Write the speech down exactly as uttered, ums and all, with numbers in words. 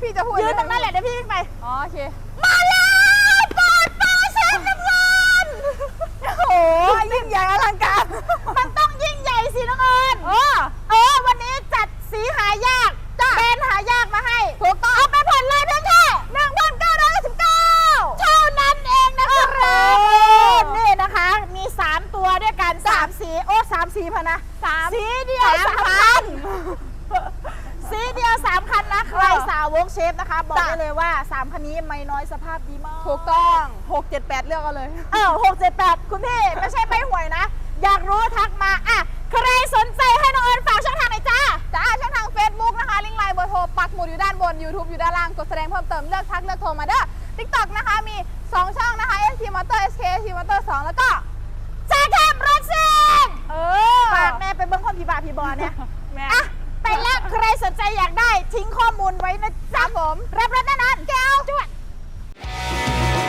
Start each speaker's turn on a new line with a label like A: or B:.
A: พี่จะพูด
B: ยืนตรงนั้นแหละเดี๋ยวพี่วิ่งไป
A: อ๋อโอเค
B: มาแล้วปอดปลาเชฟน้ำเงิน
A: โอ้โหยิ่งใหญ่อลังการ
B: มันต้องยิ่งใหญ่สิน้องเอิญ
A: เออ
B: เออวันนี้จัดสีหายาก
A: จ้ะ
B: แบรนด์หายากมาให้
A: ถูกต้อง
B: เอาไปผ่อนเลยเพียงแค่หนึ่งพันเก้าร้อยสิบเก้าเท่านั้นเองนะครับนี่นะคะ มี สาม ตัวด้วยกันสามสีโอ้สามสีพะนะ
A: สาม
B: สีเดียว
A: สาม
B: สาม
A: คั
B: คั
A: น
B: น สีเดียวสามคันนะใคร
A: เออ
B: สาวกเชฟนะคะ บอก
A: จ้ะ
B: ได้เลยว่าสามคันนี้ไม่น้อยสภาพดีมาก
A: ถูกต้องหกเจ็ดแปดเลือกเอาเลย
B: เออหกเจ็ดแปดคุณพี่ ไม่ใช่ไม่ห่วยนะ อยากรู้ทักมาอ่ะใครสนใจให้น้องเอิญฝากช่องทางหน่อยจ้า
A: จ้าช่องทาง Facebook นะคะลิงก์ไลน์เบอร์โทรปักหมุดอยู่ด้านบน YouTube อยู่ด้านล่างกดแสดงเพิ่มเติมเลือกทักเลือกโทรมาเด้อ TikTok นะคะมี สอง ช่องนะคะ เอส ที Motor เอส เค เอส ที Motor สอง แล้วก็
B: แจ็คแคมรถซิ่ง
A: เออ
B: ฝากแม่ไปเบิ้งคนผีบาผีบอเนี่ย
A: แม่
B: อ่ะ ไปแล้วใครสนใจอยากได้ทิ้งข้อมูลไว้นะ
A: ครั
B: จ๊ะ
A: บผม
B: ร